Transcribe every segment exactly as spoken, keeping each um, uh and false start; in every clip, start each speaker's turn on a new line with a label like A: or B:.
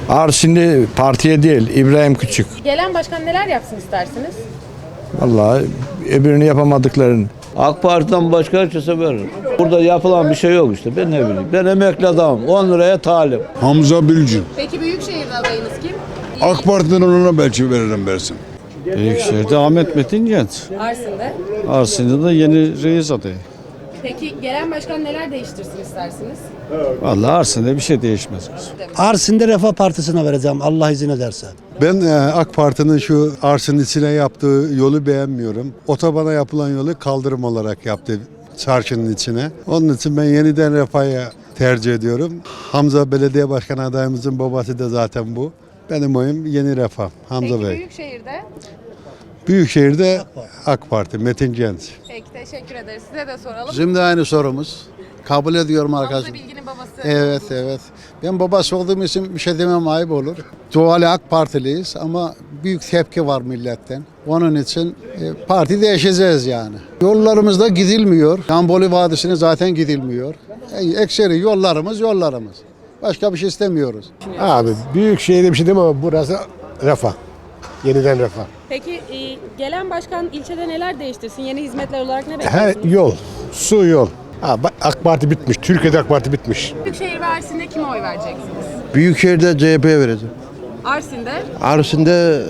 A: Arsinli partiye değil, İbrahim Küçük.
B: Gelen başkan neler yapsın istersiniz?
A: Vallahi öbürünü yapamadıklarını.
C: AK Parti'den başka herkese verir. Burada yapılan bir şey yok işte. Ben ne bileyim. Ben emekli adamım. on liraya talip.
D: Hamza Bilgin.
B: Peki Büyükşehir'de adayınız kim?
D: AK Parti'den ona belki veririm versin.
E: Büyükşehir'de Ahmet Metin Genç.
B: Arsin'de.
E: Arsin'de de yeni reis adayı.
B: Peki gelen başkan neler değiştirsin istersiniz?
E: Vallahi Arsin'de bir şey değişmez.
F: Arsin'de Refah Partisi'ne vereceğim Allah izin ederse.
G: Ben e, AK Parti'nin şu Arsin içine yaptığı yolu beğenmiyorum. Otobana yapılan yolu kaldırım olarak yaptı çarşının içine. Onun için ben yeniden Refah'ı tercih ediyorum. Hamza Belediye Başkanı adayımızın babası da zaten bu. Benim oyum Yeni Refah, Hamza
B: Peki
G: Bey.
B: Büyükşehir'de?
G: Büyükşehir'de AK Parti, Metin Genç.
B: Peki teşekkür ederiz. Size de soralım.
H: Şimdi aynı sorumuz. Kabul ediyorum arkadaşım.
B: Hamza Bilgin'in babası.
H: Evet evet. Ben babası olduğum için bir şey demem ayıp olur. Doğal AK Partiliyiz ama büyük tepki var milletten. Onun için e, parti değişeceğiz yani. Yollarımızda gidilmiyor. Gamboli Vadisi'ne zaten gidilmiyor. E, ekseri yollarımız yollarımız. Başka bir şey istemiyoruz.
I: Abi büyük şehirde bir şey demem ama burası Refah. Yeniden Refah.
B: Peki e, gelen başkan ilçede neler değiştirsin? Yeni hizmetler olarak ne
I: Her
B: bekliyorsunuz?
I: yol, su yol. Ha, bak, AK Parti bitmiş. Türkiye'de AK Parti bitmiş.
B: Büyükşehir ve Arsin'de kime oy vereceksiniz?
G: Büyükşehir'de C H P'ye vereceğim.
B: Arsin'de?
G: Arsin'de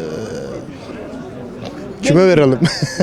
G: kime verelim?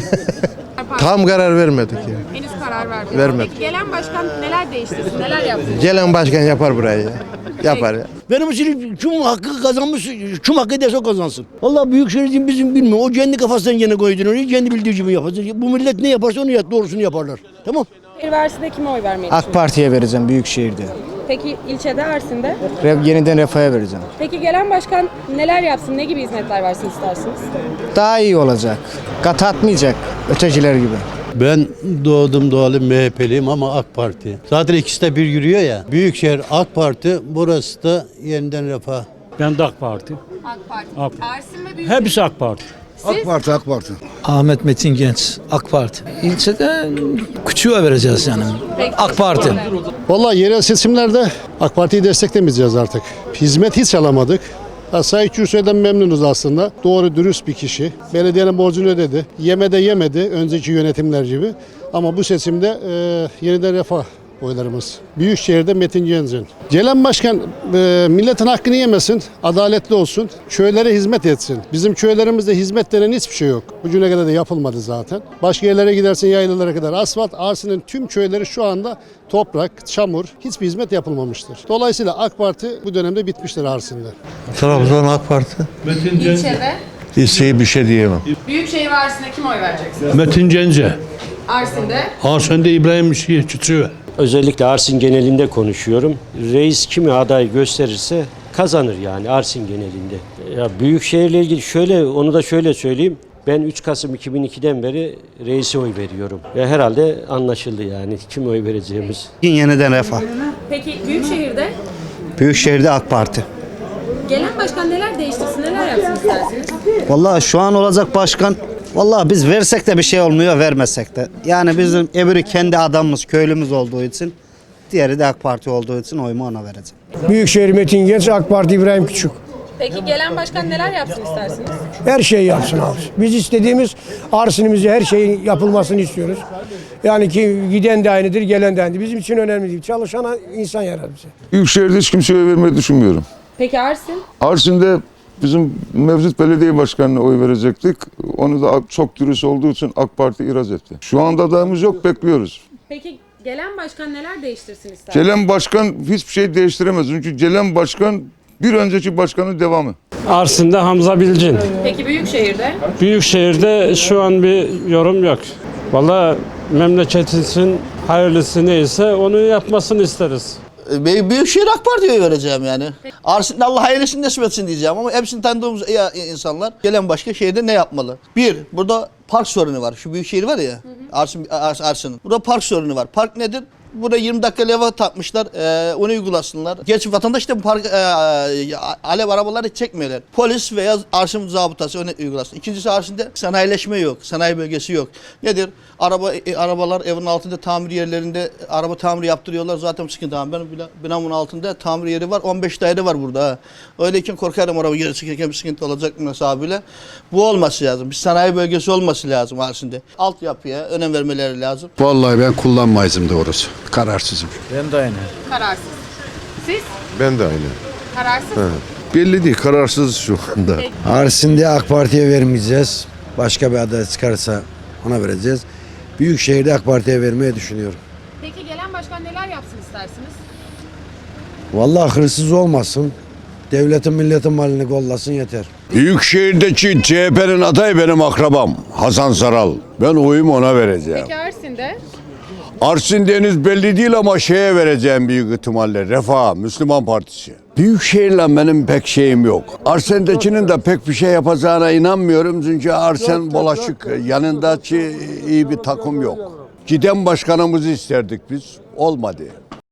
G: Tam karar vermedik ya.
B: Henüz karar vermedi.
G: Vermedi.
B: Peki gelen başkan neler değiştirsin? Neler yapsın?
G: Gelen başkan yapar burayı ya. Yapar ya.
F: Benim için kim hakkı kazanmış, kim hakkı ederse o kazansın. Vallahi Büyükşehir için bizim bilmiyorum. O kendi kafasından gene koyduğunu oraya, kendi bildiği gibi yapar. Bu millet ne yaparsa onu yap, doğrusunu yaparlar. Tamam.
B: Büyükşehir ve Arsin'de kime oy vermeyi
J: AK
B: düşünüyorsunuz?
J: Parti'ye vereceğim Büyükşehir'de.
B: Peki ilçede Arsin'de?
J: Re- Yeniden Refah'a vereceğim.
B: Peki gelen başkan neler yapsın? Ne gibi hizmetler versin istersiniz?
J: Daha iyi olacak. Kat atmayacak ötekiler gibi.
K: Ben doğdum doğalı M H P'liyim ama AK Parti. Zaten ikisi de bir yürüyor ya. Büyükşehir AK Parti, burası da Yeniden Refah.
E: Ben de AK Parti.
B: AK Parti.
E: AK.
B: Arsin ve Büyükşehir.
E: Hepsi AK Parti.
B: Siz?
D: Parti, AK Parti.
F: Ahmet Metin Genç, AK Parti. İlçede küçüğe vereceğiz yani.
B: Peki,
F: AK Parti.
B: teşekkürler.
I: Vallahi yerel seçimlerde AK Parti'yi desteklemeyeceğiz artık. Hizmet hiç alamadık. Sayın Kürsoy'dan memnunuz aslında. Doğru dürüst bir kişi. Belediyenin borcunu ödedi. Yemede yemedi önceki yönetimler gibi. Ama bu seçimde e, yeniden Refah oylarımız. Büyükşehir'de Metin Genç'in. Gelen başkan e, milletin hakkını yemesin, adaletli olsun, köylere hizmet etsin. Bizim köylerimizde hizmet denen hiçbir şey yok. Bugüne kadar da yapılmadı zaten. Başka yerlere gidersin yaylalara kadar asfalt. Arsin'in tüm köyleri şu anda toprak, çamur, hiçbir hizmet yapılmamıştır. Dolayısıyla AK Parti bu dönemde bitmiştir Arsin'de.
G: Trabzon AK Parti.
B: İlçede?
G: İlçeyi bir şey diyemem.
B: Büyükşehir ve Arsin'de kime oy vereceksiniz?
E: Metin Gence.
B: Arsin'de?
E: Arsin'de İbrahim Küçüğü.
C: Özellikle Arsin genelinde konuşuyorum. Reis kimi aday gösterirse kazanır yani Arsin genelinde. Ya Büyükşehir'le ilgili şöyle, onu da şöyle söyleyeyim. Ben üç Kasım iki bin ikiden beri reise oy veriyorum. Ve herhalde anlaşıldı yani kim oy vereceğimiz.
J: Yeniden Refah.
B: Peki Büyükşehir'de?
J: Büyükşehir'de AK Parti.
B: Gelen başkan neler değiştirsin? Neler yapsın istersiniz?
J: Vallahi şu an olacak başkan, vallahi biz versek de bir şey olmuyor, vermesek de. Yani bizim öbürü kendi adamımız, köylümüz olduğu için, diğeri de AK Parti olduğu için oyumu ona vereceğim.
I: Büyükşehir Metin Genç, AK Parti İbrahim Küçük.
B: Peki gelen başkan neler yapsın istersiniz?
I: Her şeyi yapsın abi. Biz istediğimiz Arsin'imize her şeyin yapılmasını istiyoruz. Yani ki giden de aynıdır, gelen de aynıdır. Bizim için önemli değil. Çalışan insan yarar bize.
D: Büyükşehir'de hiç kimseye vermeyi düşünmüyorum.
B: Peki Arsin?
D: Arsin'de bizim mevcut belediye başkanına oy verecektik. Onu da çok dürüst olduğu için AK Parti ihraç etti. Şu anda adayımız yok, bekliyoruz.
B: Peki gelen başkan neler değiştirsin istersiniz?
D: Gelen başkan hiçbir şey değiştiremez. Çünkü gelen başkan bir önceki başkanın devamı.
E: Arsin'de Hamza Bilgin.
B: Peki Büyükşehir'de?
E: Büyükşehir'de şu an bir yorum yok. Vallahi memleketimizin hayırlısı neyse onu yapmasını isteriz.
F: Büyükşehir AK Parti'ye vereceğim yani. Arsin'de Allah hayırlısını nasip etsin diyeceğim ama hepsini tanıdığımız insanlar gelen başka şehirde ne yapmalı? Bir, burada park sorunu var. Şu büyük şehir var ya, Arsin, Arsin'in. Burada park sorunu var. Park nedir? Burada yirmi dakika leva takmışlar. E, onu uygulasınlar. Gerçi vatandaş da bu park, e, alev arabaları çekmiyorlar. Polis veya arşın zabıtası onu uygulasın. İkincisi arşında sanayileşme yok. Sanayi bölgesi yok. Nedir? Araba e, arabalar evin altında tamir yerlerinde araba tamiri yaptırıyorlar. Zaten sıkıntı. Ben binamın altında tamir yeri var. on beş daire var burada. Ha. Öyleyken korkarım araba geri çıkarken bir sıkıntı olacak mı hesabıyla. Bu olması lazım. Bir sanayi bölgesi olması lazım arşında. Altyapıya önem vermeleri lazım.
G: Vallahi ben kullanmayızım doğrusu. Kararsızım.
A: Ben de aynı.
B: Kararsız. Siz?
L: Ben de aynı.
B: Kararsız.
L: Belli değil, kararsız şu anda.
F: Arsin'de AK Parti'ye vermeyeceğiz. Başka bir aday çıkarsa ona vereceğiz. Büyükşehir'de AK Parti'ye vermeyi düşünüyorum.
B: Peki gelen başkan neler yapsın istersiniz?
F: Vallahi hırsız olmasın. Devletin milletin malını kollasın yeter.
L: Büyükşehir'deki C H P'nin adayı benim akrabam Hasan Saral. Ben oyumu ona vereceğim.
B: Peki Arsin'de?
L: Arsin Deniz belli değil ama şeye vereceğim büyük ihtimalle. Refah, Müslüman Partisi. Büyükşehir'le benim pek şeyim yok. Arsen'dekinin de pek bir şey yapacağına inanmıyorum. Çünkü Arsen bulaşık. Yanındaki iyi bir takım yok. Giden başkanımızı isterdik biz. Olmadı.